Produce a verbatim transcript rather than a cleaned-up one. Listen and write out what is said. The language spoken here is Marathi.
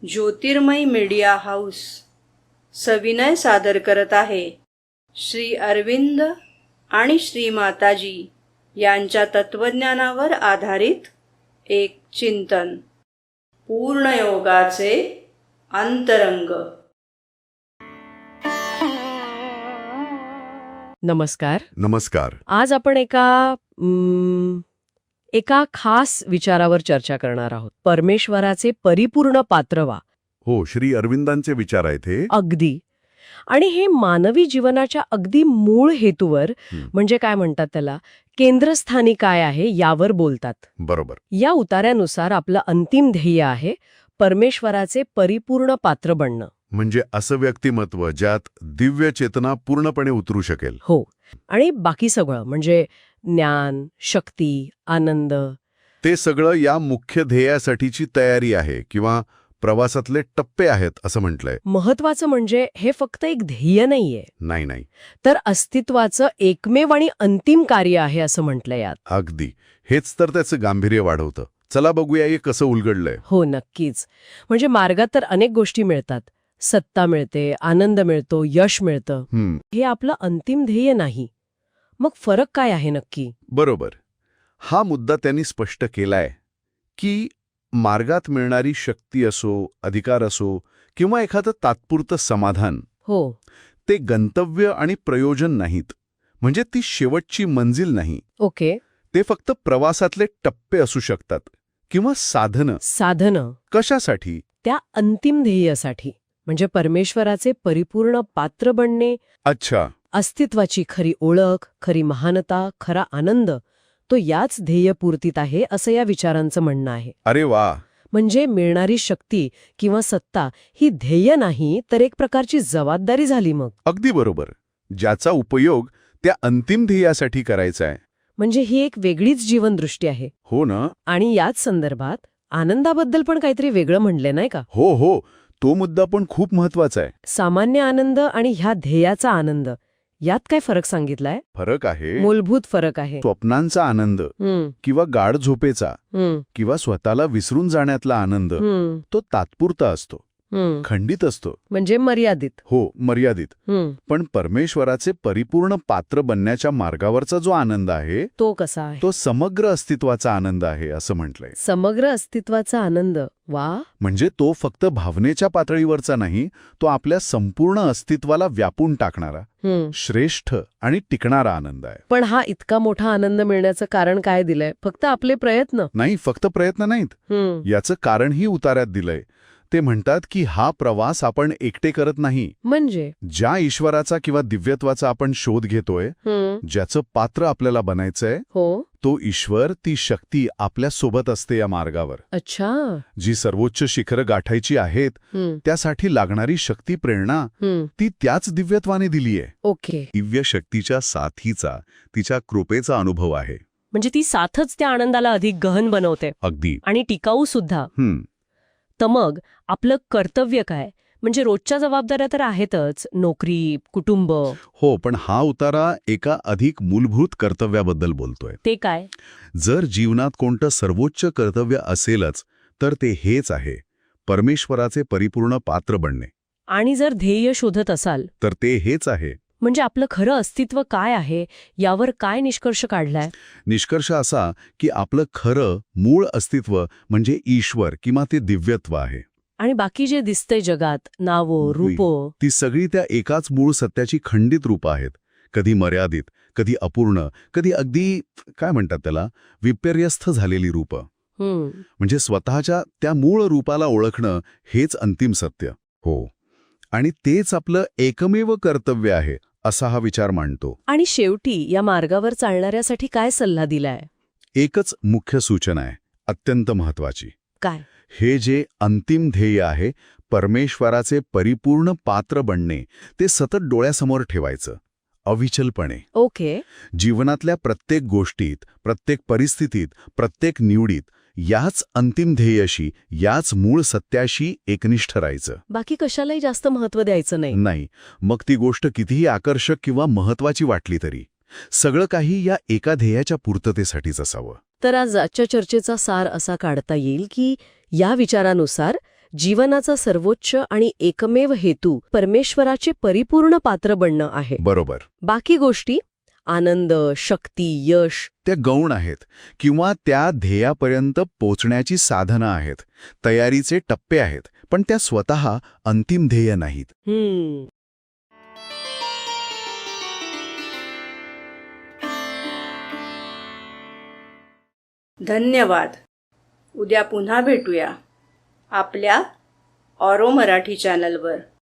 ज्योतिर्मय मीडिया हाऊस सविनय सादर करत आहे श्री अरविंद आणि श्री माताजी यांच्या तत्वज्ञानावर आधारित एक चिंतन. पूर्णयोगाचे अंतरंग. नमस्कार. नमस्कार. आज आपण एका म, एका खास विचारावर चर्चा करणार आहोत. परमेश्वराचे परिपूर्ण पात्र व्हा. हो, श्री अरविंदांचे विचार आहेत हे. अगदी. आणि हे मानवी जीवनाच्या अगदी मूळ हेतूवर, हं. म्हणजे काय म्हणतात त्याला, केंद्रस्थानी काय आहे यावर बोलतात. बरोबर. या उतार्यानुसार आपलं अंतिम ध्येय आहे परमेश्वराचे परिपूर्ण पात्र बनणं. म्हणजे असं व्यक्तिमत्व ज्यात दिव्य चेतना पूर्णपणे उतरू शकेल. हो. आणि बाकी सगळं म्हणजे ज्ञान, शक्ती, आनंद, ते सगळं या मुख्य ध्येयासाठीची तयारी आहे किंवा प्रवासातले टप्पे आहेत असं म्हटलंय. महत्वाचं म्हणजे हे फक्त एक ध्येय नाहीये, नाही नाही तर अस्तित्वाचं एकमेव आणि अंतिम कार्य आहे असं म्हटलंय यात. अगदी. हेच तर त्याचं गांभीर्य वाढवतं. चला बघूया हे कसं उलगडलंय. हो, नक्कीच. म्हणजे मार्गात तर अनेक गोष्टी मिळतात. सत्ता मिळते, आनंद मिळतो, यश मिळतं. हम्म, हे आपलं अंतिम ध्येय नाही. मग फरक काय आहे नक्की? बरोबर. हा मुद्दा त्यांनी स्पष्ट केलाय की मार्गात मिळणारी शक्ती असो, अधिकार असो किंवा एखादं तात्पुरतं समाधान, हो, ते गंतव्य आणि प्रयोजन नाहीत. म्हणजे ती शेवटची मंजिल नाही. ओके. ते फक्त प्रवासातले टप्पे असू शकतात किंवा साधनं. साधनं कशासाठी? त्या अंतिम ध्येयासाठी, म्हणजे परमेश्वराचे परिपूर्ण पात्र बनणे. अच्छा. अस्तित्वाची खरी ओळख, खरी महानता, खरा आनंद तो याच ध्येयपूर्तीत आहे असं या विचारांचं म्हणणं आहे. अरे वा. म्हणजे मिळणारी शक्ती किंवा सत्ता ही ध्येय नाही, तर एक प्रकारची जबाबदारी झाली. मग अगदी बरोबर. ज्याचा उपयोग त्या अंतिम ध्येयासाठी करायचा आहे. म्हणजे ही एक वेगळीच जीवनदृष्टी आहे. हो ना. आणि याच संदर्भात आनंदाबद्दल पण काहीतरी वेगळं म्हणले नाही का? हो हो, तो मुद्दा पण खूप महत्वाचा आहे. सामान्य आनंद आणि ह्या ध्येयाचा आनंद यात काय फरक सांगितलाय? फरक आहे. मूलभूत फरक आहे. स्वप्नांचा आनंद हम्म, किंवा गाढ झोपेचा हम्म, किंवा स्वतःला विसरून जाण्यातला आनंद हम्म, तो तात्पुरता असतो, हम्म. खंडित असतो. म्हणजे मर्यादित. हो, मर्यादित. हम्म. पण परमेश्वराचे परिपूर्ण पात्र बनण्याच्या मार्गावरचा जो आनंद आहे तो कसा आहे? तो समग्र अस्तित्वाचा आनंद आहे असं म्हटलंय. समग्र अस्तित्वाचा आनंद. वा. म्हणजे तो फक्त भावनेच्या पातळीवरचा नाही, तो आपल्या संपूर्ण अस्तित्वाला व्यापून टाकणारा, हम्म. श्रेष्ठ आणि टिकणारा आनंद आहे. पण हा इतका मोठा आनंद मिळण्याचं कारण काय दिलंय? फक्त आपले प्रयत्न? नाही, फक्त प्रयत्न नाहीत. हम्म. याचं कारणही उतार्यात दिलंय. ते म्हणतात की हा प्रवास आपण एकटे करत नाही. म्हणजे ज्या ईश्वराचा किंवा दिव्यत्वाचा आपण शोध घेतोय, हम्म. ज्याचं पात्र आपल्याला बनायचंय, हो. तो ईश्वर, ती शक्ती आपल्या सोबत असते या मार्गावर. अच्छा. जी सर्वोच्च शिखरं गाठायची आहेत, हम्म. त्यासाठी लागणारी शक्ती, प्रेरणा हम्म. ती त्याच दिव्यत्वाने दिलीये. ओके. दिव्य शक्तीच्या साथीचा, तिच्या कृपेचा अनुभव आहे. म्हणजे ती साथच त्या आनंदाला अधिक गहन बनवते अगदी. आणि टिकाऊ सुद्धा. हम्म. तर मग आपलं कर्तव्य काय? म्हणजे रोजच्या जबाबदाऱ्या तर आहेतच, नोकरी, कुटुंब. हो, पण हा उतारा एका अधिक मूलभूत कर्तव्याबद्दल बोलतोय. ते काय? जर जीवनात कोणतं सर्वोच्च कर्तव्य असेलच, तर ते हेच आहे, परमेश्वराचे परिपूर्ण पात्र बनणे. आणि जर ध्येय शोधत असाल तर ते हेच आहे. म्हणजे आपलं खरं अस्तित्व काय आहे यावर काय निष्कर्ष काढलाय? निष्कर्ष असा की आपलं खरं मूळ अस्तित्व म्हणजे ईश्वर किंवा ते दिव्यत्व आहे. आणि बाकी जे दिसतंय जगात, नावो, रूपो, ती सगळी त्या एकाच मूळ सत्याची खंडित रूपं आहेत. कधी मर्यादित, कधी अपूर्ण, कधी अगदी काय म्हणतात त्याला, विपर्यस्थ झालेली रूपं. हम्म. म्हणजे स्वतःच्या त्या मूळ रूपाला ओळखणं हेच अंतिम सत्य. हो. आणि तेच आपलं एकमेव कर्तव्य आहे असा हा विचार मांडतो. आणि शेवटी या मार्गावर चालणाऱ्यासाठी काय सल्ला दिलाय? एकच मुख्य सूचना आहे, अत्यंत महत्वाची. काय? हे जे अंतिम ध्येय आहे, परमेश्वराचे परिपूर्ण पात्र बनणे, ते सतत डोळ्यासमोर ठेवायचं, अविचलपणे. ओके. जीवनातल्या प्रत्येक गोष्टीत, प्रत्येक परिस्थितीत, प्रत्येक निवडीत याच अंतिम ध्येयाशी, याच मूळ सत्याशी एकनिष्ठ राहायचं. बाकी कशालाही जास्त महत्त्व द्यायचं नाही. नाही. मग ती गोष्ट कितीही आकर्षक किंवा महत्वाची वाटली तरी सगळं काही या एका ध्येयाच्या पूर्ततेसाठीच असावं. तर आज आजच्या चर्चेचा सार असा काढता येईल की या विचारानुसार जीवनाचा सर्वोच्च आणि एकमेव हेतू परमेश्वराचे परिपूर्ण पात्र बनणं आहे. बरोबर. बाकी गोष्टी आनंद, शक्ती, यश त्या गौण आहेत किंवा त्या ध्येयापर्यंत पोचण्याची साधनं आहेत, तयारीचे टप्पे आहेत, पण त्या स्वतः अंतिम ध्येय नाहीत. हम्म धन्यवाद. उद्या पुन्हा भेटूया आपल्या ऑरो मराठी चॅनलवर.